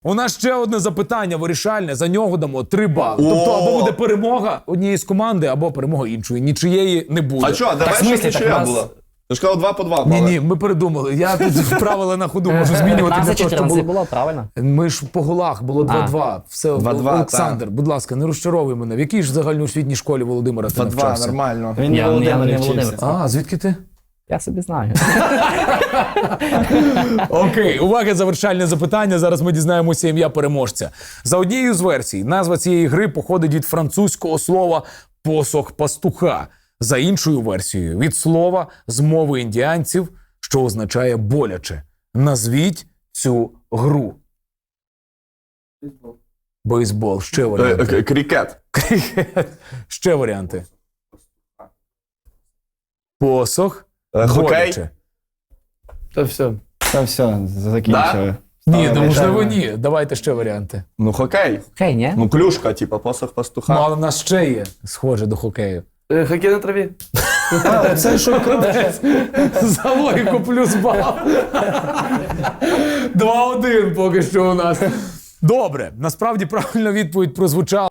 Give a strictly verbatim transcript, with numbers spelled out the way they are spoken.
У нас ще одне запитання вирішальне, за нього дамо три бали. Тобто або буде перемога однієї з команди, або перемога іншої. Нічиєї не буде. А що, давай, в смислі, щоб так нічия нас- була. Ти ж казав два по два бали. Ні, ні, ми передумали. Я тут правила на ходу можу змінювати для п'ятнадцять того, щоб чотирнадцять було... було, правильно? Ми ж по голах, було два-два. Все, два-два, Олександр, будь ласка, не розчаровуй мене. В якій ж загальноосвітній школі Володимира ти Два-два, навчався? нормально. Він Я- не Володимир, я не не вчився. Володимир. А, звідки ти? Я собі знаю. Окей, увага, завершальне запитання. Зараз ми дізнаємося ім'я переможця. За однією з версій, назва цієї гри походить від французького слова «посох пастуха». За іншою версією, від слова з мови індіанців, що означає «боляче». Назвіть цю гру. Бейсбол. Ще Е, варіанти. е, Крікет. Ще варіанти. Посох. Е, Хокей. Боляче. Та все. Та все, закінчили. Ні, Ставимо ну, можливо, питання. ні. Давайте ще варіанти. Ну хокей. Окей, ні? Ну клюшка, типа посох пастуха. Ну, але в нас ще є схоже до хокею. Е, Хокей на траві. Це що краще? За логіку плюс бал. два один поки що у нас. Добре, насправді правильна відповідь прозвучала.